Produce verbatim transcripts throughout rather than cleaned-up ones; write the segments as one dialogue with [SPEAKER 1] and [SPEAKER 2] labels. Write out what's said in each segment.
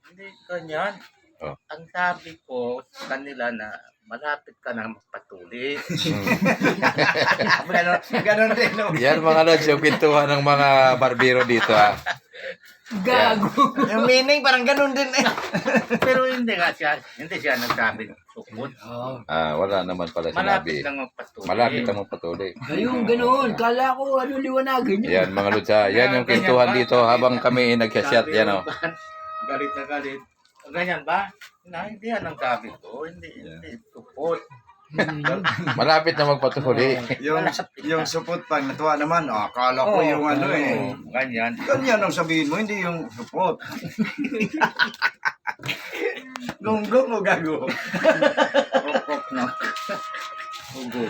[SPEAKER 1] Hindi ganyan.
[SPEAKER 2] Oh.
[SPEAKER 1] Ang sabi ko sa kanila na malapit ka na magpatuli.
[SPEAKER 3] Ganon, ganon din. No?
[SPEAKER 2] Yan mga lods, yung pintuan ng mga barbero dito ha.
[SPEAKER 4] Gago.
[SPEAKER 3] Yung meaning parang ganon din eh.
[SPEAKER 1] Pero hindi nga siya, hindi siya nagsabi ng tukod.
[SPEAKER 4] Oo.
[SPEAKER 2] Ah, wala naman pala
[SPEAKER 1] Malapit
[SPEAKER 2] sinabi.
[SPEAKER 1] lang magpatuli.
[SPEAKER 2] Malapit ang magpatuloy.
[SPEAKER 4] Ayun, ganun. Kala ko, ano, liwanagin yun.
[SPEAKER 2] Yan mga lods ha. Yan yung pintuan dito habang kami nagsasyat. Yan o.
[SPEAKER 1] Galit na galit. Ganyan ba? Na, hindi yan ang sabi ko. Hindi, hindi. Tukod.
[SPEAKER 2] Malapit na magpatuloy.
[SPEAKER 3] Yung, yung supot pag natuwa naman, oh, akala ko yung ano eh.
[SPEAKER 1] Ganyan.
[SPEAKER 3] Ganyan ang sabihin mo, hindi yung supot. Gunggong o gago?
[SPEAKER 1] Rokok na. Ugo.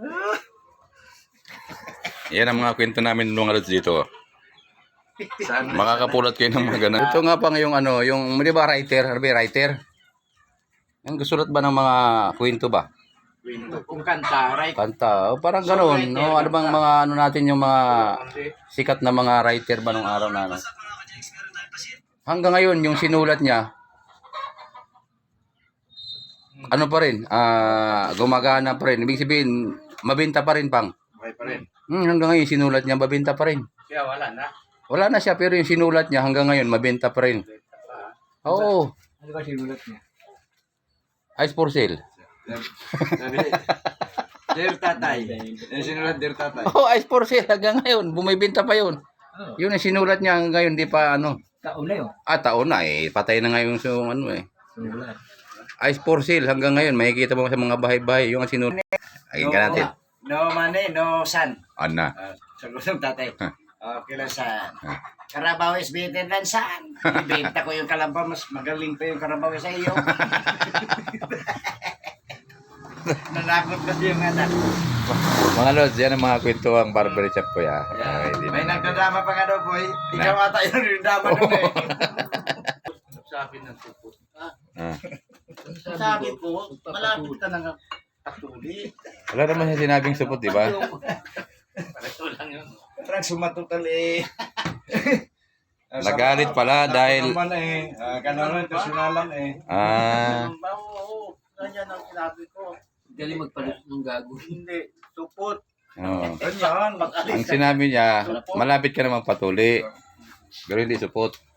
[SPEAKER 2] Yan ang mga kwento namin mga lods dito.
[SPEAKER 3] Sana.
[SPEAKER 2] Makakapulot kayo ng mga ganun. Ito nga pang yung ano, yung, di ba writer? Harbi, writer? Yung gusulat ba ng mga kwento ba?
[SPEAKER 4] Kung kanta, right?
[SPEAKER 2] Kanta. O, parang gano'n. No? Ano bang mga ano natin yung mga sikat na mga writer ba nung araw na ano? Hanggang ngayon, yung sinulat niya, ano pa rin, ah gumagana pa rin. Ibig sabihin, mabenta pa rin pang.
[SPEAKER 1] Okay pa rin.
[SPEAKER 2] Hmm, hanggang ngayon, sinulat niya, mabenta pa rin.
[SPEAKER 1] Kaya wala na.
[SPEAKER 2] Wala na siya, pero yung sinulat niya hanggang ngayon, mabenta pa rin. Oo.
[SPEAKER 4] Ano ba sinulat niya?
[SPEAKER 2] Ice for sale.
[SPEAKER 3] Sabi, Dear Tatay. Yung sinulat, Dear Tatay.
[SPEAKER 2] Oo, ice for sale hanggang ngayon. Bumibenta pa yun. Yun ang sinulat niya hanggang ngayon, di pa ano.
[SPEAKER 4] Taon na yun.
[SPEAKER 2] Ah, taon na eh. Patay na ngayon sa ano eh.
[SPEAKER 4] Sinulat.
[SPEAKER 2] Ice for sale hanggang ngayon. Makikita mo sa mga bahay-bahay. Yung ang sinulat. Agin ka natin.
[SPEAKER 3] No money, no son.
[SPEAKER 2] Ana.
[SPEAKER 3] Uh, sagot ng tatay. Okay lang saan. Karabaw is better than saan. Ibenta ko yung kalabaw, mas magaling pa yung karabaw sa iyo. Nanakot kasi yung anak.
[SPEAKER 2] Mga lods, yan ang mga kwento ang barber shop ko ya.
[SPEAKER 3] Yeah.
[SPEAKER 2] Ay, di
[SPEAKER 3] May
[SPEAKER 2] na-
[SPEAKER 3] nagdadama pa nga daw, boy. Ikaw ata yung nagdadama nun eh.
[SPEAKER 1] Sabi ng tukod. Ah,
[SPEAKER 2] Ah.
[SPEAKER 1] sabi ko, malapit ka na magpatuli.
[SPEAKER 2] Wala naman siya sinabing supot, di ba?
[SPEAKER 1] Pareho lang yun.
[SPEAKER 3] Parang sumatutal eh.
[SPEAKER 2] Nagalit pala dahil-
[SPEAKER 3] Naman eh. Uh, Kanon, personalan eh.
[SPEAKER 2] Ah.
[SPEAKER 1] Ba, oo, ganyan ang sinabi ko.
[SPEAKER 4] Galing magpalit ng gago.
[SPEAKER 1] Hindi, supot.
[SPEAKER 2] Oo.
[SPEAKER 3] Ganyan.
[SPEAKER 2] Ang sinabi niya, malapit ka na magpatuli. Pero hindi supot.